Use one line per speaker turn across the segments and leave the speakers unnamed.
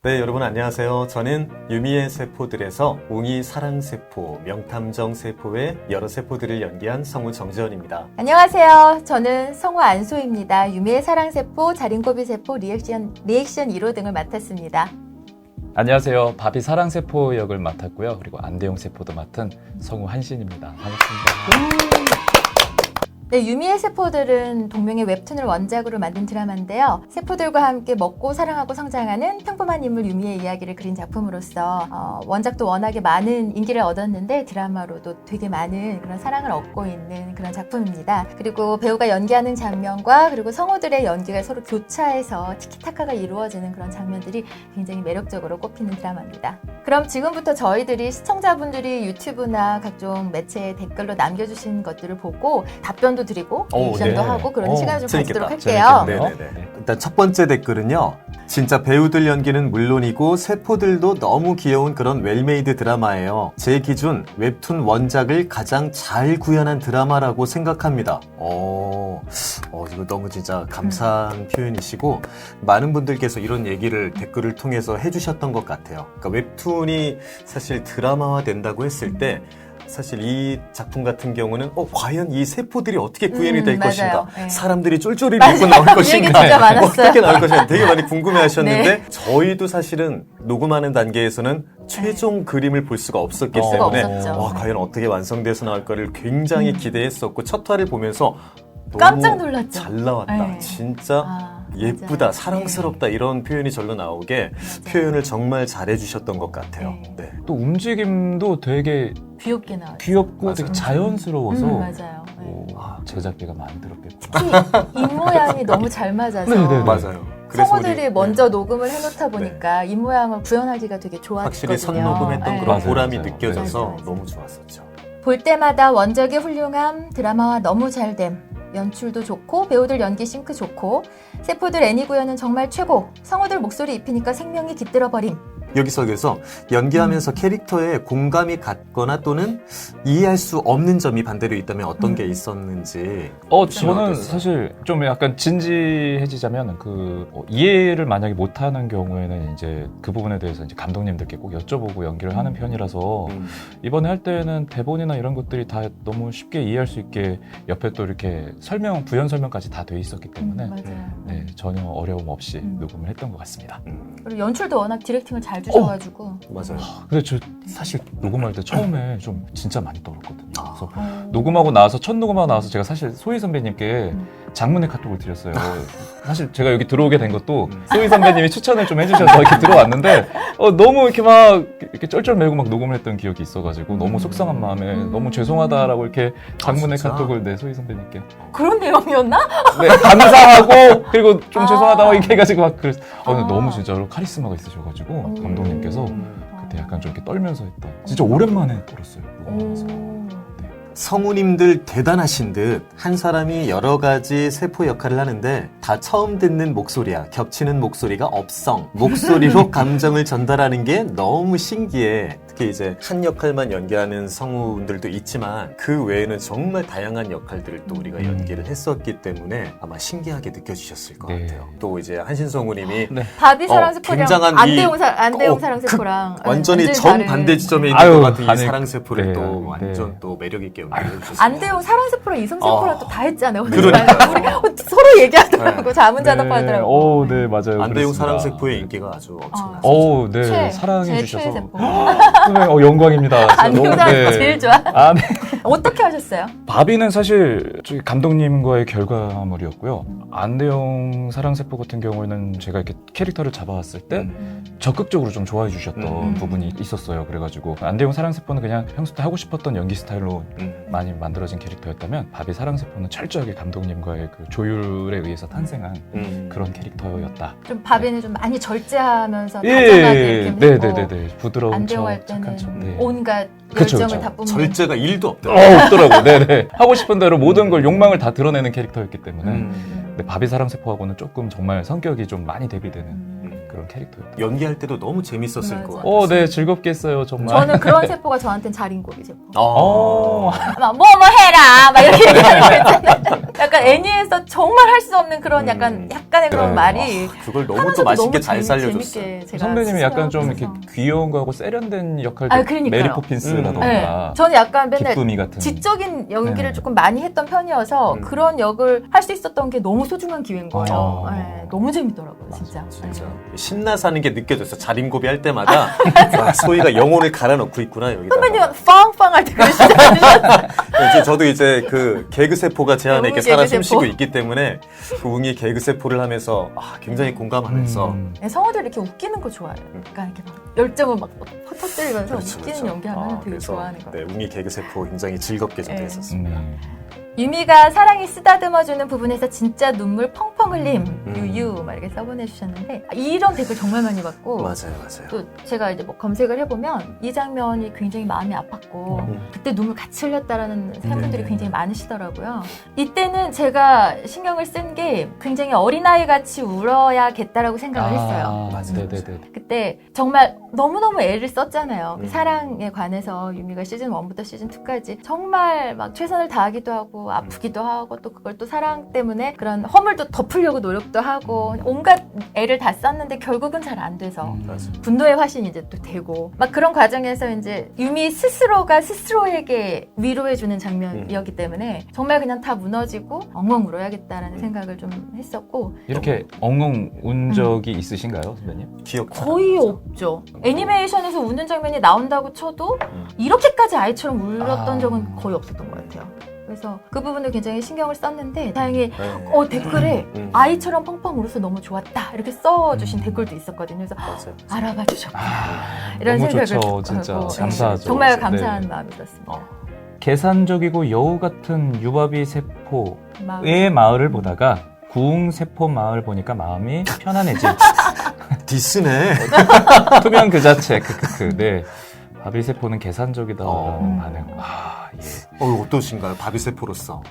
네, 여러분 안녕하세요. 저는 유미의 세포들에서 웅이 사랑세포, 명탐정 세포의 여러 세포들을 연기한 성우 정지현입니다.
안녕하세요. 저는 성우 안소희입니다. 유미의 사랑세포, 자린고비세포, 리액션 2로 등을 맡았습니다.
안녕하세요. 바비 사랑세포 역을 맡았고요. 그리고 안대용 세포도 맡은 성우 한신입니다. 반갑습니다.
네, 유미의 세포들은 동명의 웹툰을 원작으로 만든 드라마인데요. 세포들과 함께 먹고 사랑하고 성장하는 평범한 인물 유미의 이야기를 그린 작품으로서 원작도 워낙에 많은 인기를 얻었는데 드라마로도 되게 많은 그런 사랑을 얻고 있는 그런 작품입니다. 그리고 배우가 연기하는 장면과 그리고 성우들의 연기가 서로 교차해서 티키타카가 이루어지는 그런 장면들이 굉장히 매력적으로 꼽히는 드라마입니다. 그럼 지금부터 저희들이 시청자분들이 유튜브나 각종 매체에 댓글로 남겨주신 것들을 보고 답변도 드리고 리액션도 하고 그런 시간을 좀 가지도록 할게요.
네네네. 일단 첫 번째 댓글은요. 진짜 배우들 연기는 물론이고 세포들도 너무 귀여운 그런 웰메이드 드라마예요. 제 기준 웹툰 원작을 가장 잘 구현한 드라마라고 생각합니다. 이거 너무 진짜 감사한 표현이시고 많은 분들께서 이런 얘기를 댓글을 통해서 해주셨던 것 같아요. 그러니까 웹툰이 사실 드라마화 된다고 했을 때 사실 이 작품 같은 경우는 과연 이 세포들이 어떻게 구현이 될 것인가,
네.
사람들이 쫄쫄이를 입고 나올 것인가,
진짜 많았어요.
어떻게 나올 것인가 되게 많이 궁금해하셨는데
네.
저희도 사실은 녹음하는 단계에서는 최종 그림을 볼 수가 없었기 때문에 과연 어떻게 완성돼서 나올까를 굉장히 기대했었고 첫 화를 보면서 너무
깜짝 놀랐죠.
잘 나왔다.
네.
진짜 예쁘다,
맞아요.
사랑스럽다 이런 표현이 절로 나오게 표현을 정말 잘해주셨던 것 같아요. 네.
또 움직임도 되게
귀엽게 나와요.
귀엽고
맞아요.
되게 자연스러워서
맞아요.
제작비가 많이 들었겠고.
특히 입모양이 너무 잘 맞아서
네네네.
맞아요. 그래서
성우들이
우리,
먼저 녹음을 해놓다 보니까 입모양을 구현하기가 되게 좋았거든요.
확실히 선녹음했던 그런
맞아요,
보람이
맞아요.
느껴져서
맞아요.
너무 좋았었죠.
볼 때마다 원작의 훌륭함, 드라마와 너무 잘됨, 연출도 좋고 배우들 연기 싱크 좋고 세포들 애니 구현은 정말 최고, 성우들 목소리 입히니까 생명이 깃들어버림.
여기서 그래서 연기하면서 캐릭터에 공감이 갔거나 또는 이해할 수 없는 점이 반대로 있다면 어떤 게 있었는지.
저는
어땠어요?
사실 좀 약간 진지해지자면 이해를 만약에 못하는 경우에는 이제 그 부분에 대해서 이제 감독님들께 꼭 여쭤보고 연기를 하는 편이라서 이번에 할 때는 대본이나 이런 것들이 다 너무 쉽게 이해할 수 있게 옆에 또 이렇게 부연 설명까지 다 돼 있었기 때문에
맞아요.
전혀 어려움 없이 녹음을 했던 것 같습니다.
그리고 연출도 워낙 디렉팅을 잘 주셔가지고.
맞아요.
근데 저 사실 녹음할 때 처음에 좀 진짜 많이 떨었거든요. 그래서 녹음하고 나서 첫 녹음하고 나서 제가 사실 소희 선배님께 장문의 카톡을 드렸어요. 사실 제가 여기 들어오게 된 것도 소희 선배님이 추천을 좀 해주셔서 이렇게 들어왔는데 너무 이렇게 막 이렇게 쩔쩔매고 막 녹음을 했던 기억이 있어가지고 너무 속상한 마음에 너무 죄송하다라고 이렇게 장문의 카톡을 소희 선배님께
그런 내용이었나?
네, 감사하고 그리고 좀 죄송하다고 이렇게 해가지고 막 그랬어요. 근데 너무 진짜로 카리스마가 있으셔가지고 감독님께서 그때 약간 좀 이렇게 떨면서 했다. 진짜 오랜만에 떨었어요. 녹음하면서.
성우님들 대단하신 듯 한 사람이 여러 가지 세포 역할을 하는데 다 처음 듣는 목소리야. 겹치는 목소리가 없성. 목소리로 감정을 전달하는 게 너무 신기해. 특히 이제 한 역할만 연기하는 성우분들도 있지만 그 외에는 정말 다양한 역할들을 또 우리가 연기를 했었기 때문에 아마 신기하게 느껴지셨을 것 같아요. 또 이제 한신 성우님이
바비 사랑세포랑
굉장한
안대용 사랑세포랑
완전히 정반대 지점에 있는 것 같은 이 사랑세포를 또 완전 또 매력있게 연기해주셨어요.
안대용 사랑세포랑 이성세포랑 또 다 했잖아요.
그러니까.
우리 서로 얘기하더라고. 자문자답하더라고.
네, 맞아요.
안대용
그랬습니다.
사랑세포의 인기가 아주 엄청났어요.
네, 사랑해
제
주셔서
최애 세포.
영광입니다.
안대용 사랑세포 제일 좋아.
네.
어떻게 하셨어요?
바비는 사실 저기 감독님과의 결과물이었고요. 안대용 사랑세포 같은 경우에는 제가 이렇게 캐릭터를 잡아왔을 때 적극적으로 좀 좋아해 주셨던 부분이 있었어요. 그래가지고 안대용 사랑세포는 그냥 평소 때 하고 싶었던 연기 스타일로 많이 만들어진 캐릭터였다면 바비 사랑세포는 철저하게 감독님과의 그 조율에 의해서 탄생한 그런 캐릭터였다.
좀 바비는 좀 많이 절제하면서 다정하게 이렇게
네네네. 부드러운
안대용
척,
할 때는
착한 척. 네.
온갖
그쵸,
열정을
그쵸.
다 뿜는.
절제가 1도 없더라고요.
없더라고. 네네. 하고 싶은 대로 모든 걸 욕망을 다 드러내는 캐릭터였기 때문에 근데 바비 사랑세포하고는 조금 정말 성격이 좀 많이 대비되는 그런 그런 캐릭터예요.
연기할 때도 너무 재밌었을
맞아.
것 같아요.
네, 즐겁게 했어요, 정말.
저는 그런 세포가 저한테는 자린고비 세포. 막 뭐 해라 막 이렇게 얘기하는 거 있잖아요. 약간 애니에서 정말 할 수 없는 그런 약간의 그런
네.
말이
그걸 너무 또
하면서도
맛있게
너무
잘 살려줬어요.
재밌게 제가
선배님이 약간 좀 이렇게
스스로
귀여운 거하고 세련된 역할도
아, 그러니까요.
메리 포핀스라던가
네. 저는 약간 맨날
기쁨이 같은
지적인 연기를
네.
조금 많이 했던 편이어서 그런 역을 할 수 있었던 게 너무 소중한 기회인 거예요. 네, 너무 재밌더라고요, 진짜.
진짜 신나 사는 게 느껴졌어. 자린고비 할 때마다 와, 소희가 영혼을 갈아넣고 있구나 여기다.
선배님은 빵빵 할 때 그러시잖아요.
이제 저도 이제 그 개그 세포가 제 안에
웅이
이렇게 살아
개그
숨쉬고
세포.
있기 때문에 그 웅이 개그 세포를 하면서 굉장히 공감하면서
네, 성우들 이렇게 웃기는 거 좋아해요. 그러니까 이렇게 막 열정을 막 터뜨리면서
그렇죠,
웃기는
그렇죠.
연기하면 되게
그래서
좋아하는 거.
네, 웅이 개그 세포 굉장히 즐겁게 저도
네.
했었습니다.
유미가 사랑이 쓰다듬어주는 부분에서 진짜 눈물 펑펑 흘림 유유 막 이렇게 써보내주셨는데 이런 댓글 정말 많이 받고
맞아요, 맞아요.
또 제가 이제 뭐 검색을 해보면 이 장면이 굉장히 마음이 아팠고 그때 눈물 같이 흘렸다라는 팬분들이
네네.
굉장히 많으시더라고요. 이때는 제가 신경을 쓴 게 굉장히 어린아이 같이 울어야겠다라고 생각을 했어요.
맞아요. 네네네.
그때 정말 너무너무 애를 썼잖아요. 그 사랑에 관해서 유미가 시즌 1부터 시즌 2까지 정말 막 최선을 다하기도 하고 아프기도 하고 또 그걸 또 사랑 때문에 그런 허물도 덮으려고 노력도 하고 온갖 애를 다 썼는데 결국은 잘 안 돼서 분노의 화신이 이제 또 되고 막 그런 과정에서 이제 유미 스스로가 스스로에게 위로해주는 장면이었기 때문에 정말 그냥 다 무너지고 엉엉 울어야겠다라는 생각을 좀 했었고
이렇게 엉엉 운 적이 있으신가요, 선배님?
기억
거의 없죠. 애니메이션에서 우는 장면이 나온다고 쳐도 이렇게까지 아이처럼 울었던 적은 거의 없었던 것 같아요. 그래서 그 부분을 굉장히 신경을 썼는데 다행히 댓글에 아이처럼 펑펑 울어서 너무 좋았다 이렇게 써주신 댓글도 있었거든요. 그래서
맞아요.
알아봐 주셨구나 이런
너무
생각을
좋죠, 진짜.
하고,
감사하죠.
정말
네.
감사한 마음이 들었습니다.
계산적이고 여우 같은 유바비 세포의
마음.
마을을 보다가 구웅 세포 마을 보니까 마음이 편안해지.
디스네.
투명 그 자체. 크크크. 네. 바비 세포는 계산적이다. 반응. 예.
어떠신가요? 바비 세포로서.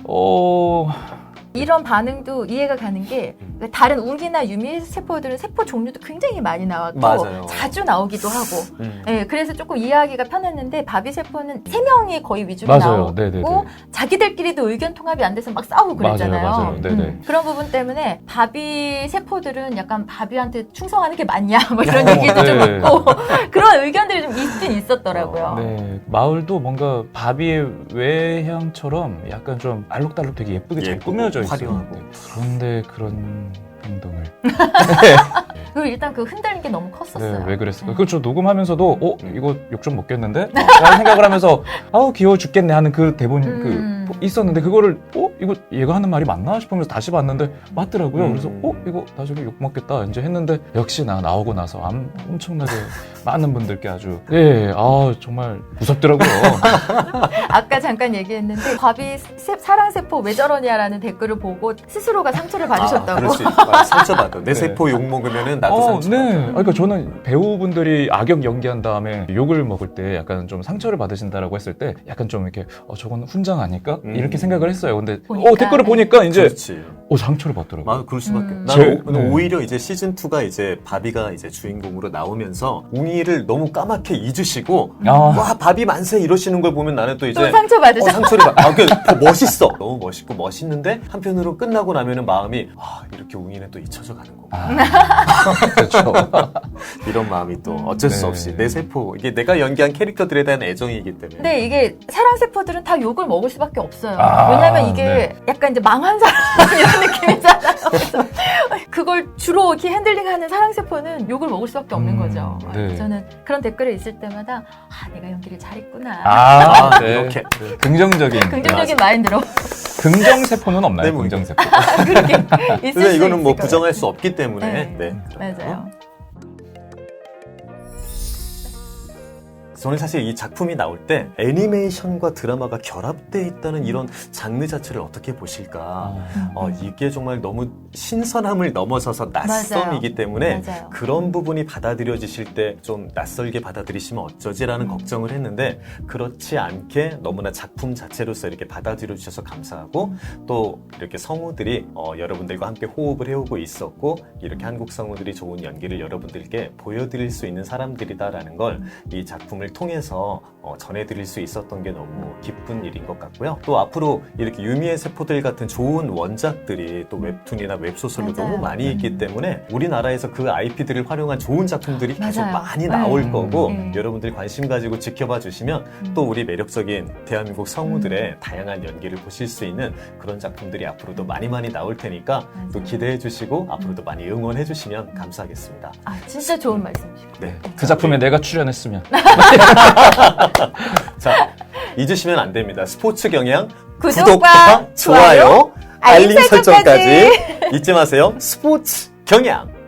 이런 반응도 이해가 가는 게 다른 웅이나 유미 세포들은 세포 종류도 굉장히 많이 나왔고
맞아요.
자주 나오기도 하고 예, 그래서 조금 이해하기가 편했는데 바비 세포는 3명이 거의 위주로
맞아요.
나오고
네네네.
자기들끼리도 의견 통합이 안 돼서 막 싸우고 그랬잖아요.
맞아요. 네네.
그런 부분 때문에 바비 세포들은 약간 바비한테 충성하는 게 맞냐 뭐 이런 얘기도 좀
네.
있고 그런 의견들이 좀 있긴 있었더라고요.
네. 마을도 뭔가 바비의 외향처럼 약간 좀 알록달록 되게 예쁘게 잘
예쁘고
꾸며져 있어요.
화려하고.
그런데 그런 행동을.
그리고 일단 그 흔들린 게 너무 컸었어요.
네, 왜 그랬을까? 그거 저 녹음하면서도 이거 욕 좀 먹겠는데? 라는 생각을 하면서 아우 귀여워 죽겠네 하는 그 대본 그 있었는데 그거를 이거 얘가 하는 말이 맞나 싶으면서 다시 봤는데 맞더라고요. 그래서 이거 나중에 욕 먹겠다 이제 했는데 역시나 나오고 나서 엄청나게 많은 분들께 아주 정말 무섭더라고요.
아까 잠깐 얘기했는데 바비 사랑세포 왜 저러냐라는 댓글을 보고 스스로가 상처를 받으셨다고.
그럴 수 있어. 상처받아. 내
네.
세포 욕 먹으면은 나도 상처받아.
네. 그러니까 저는 배우분들이 악역 연기한 다음에 욕을 먹을 때 약간 좀 상처를 받으신다라고 했을 때 약간 좀 이렇게 저건 훈장 아닐까? 이렇게 생각을 했어요. 근데
보니까.
댓글을 보니까 이제
그렇지.
상처를 받더라고요.
맞아, 그럴 수밖에.
제-
나는
네.
오히려 이제 시즌 2가 이제 바비가 이제 주인공으로 나오면서 웅이를 너무 까맣게 잊으시고 와 바비 만세 이러시는 걸 보면 나는 또 이제
또 상처 받으셨.
상처를 받. 더 멋있어. 너무 멋있고 멋있는데 한편으로 끝나고 나면은 마음이 이렇게 웅이는 또 잊혀져 가는 거구나.
그렇죠.
이런 마음이 또 어쩔 수
네.
없이 내 세포 이게 내가 연기한 캐릭터들에 대한 애정이기 때문에.
근데 이게 사랑세포들은 다 욕을 먹을 수밖에 없어요.
아,
왜냐면 이게 약간 이제 망한 사람 이런 느낌이잖아요. 그래서 그걸 주로 이렇게 핸들링하는 사랑세포는 욕을 먹을 수밖에 없는 거죠.
네.
저는 그런 댓글이 있을 때마다 내가 연기를 잘했구나.
네.
이렇게.
긍정적인
긍정적인 마인드로
긍정세포는 없나요?
네, 뭐
긍정세포.
그렇게 있을
근데
수
이거는 뭐
있을 것
부정할 수 없기 때문에.
네.
네.
같아요. 맞아요.
저는 사실 이 작품이 나올 때 애니메이션과 드라마가 결합되어 있다는 이런 장르 자체를 어떻게 보실까. 이게 정말 너무 신선함을 넘어서서 낯섦이기 때문에
맞아요.
그런 부분이 받아들여지실 때 좀 낯설게 받아들이시면 어쩌지라는 걱정을 했는데 그렇지 않게 너무나 작품 자체로서 이렇게 받아들여 주셔서 감사하고 또 이렇게 성우들이 여러분들과 함께 호흡을 해오고 있었고 이렇게 한국 성우들이 좋은 연기를 여러분들께 보여드릴 수 있는 사람들이다라는 걸 이 작품을 통해서 전해드릴 수 있었던 게 너무 기쁜 일인 것 같고요. 또 앞으로 이렇게 유미의 세포들 같은 좋은 원작들이 또 웹툰이나 웹소설로
맞아요.
너무 많이 있기 때문에 우리나라에서 그 IP들을 활용한 좋은 작품들이 계속
맞아요.
많이 나올
네.
거고
네.
여러분들 관심 가지고 지켜봐 주시면 또 우리 매력적인 대한민국 성우들의 다양한 연기를 보실 수 있는 그런 작품들이 앞으로도 많이 나올 테니까 또
맞아요.
기대해 주시고 앞으로도 많이 응원해 주시면 감사하겠습니다.
아, 진짜 좋은 말씀이시고.
네.
그 작품에 내가 출연했으면.
자, 잊으시면 안 됩니다. 스포츠 경향
구독과 좋아요,
알림
알림
설정까지 잊지 마세요. 스포츠 경향.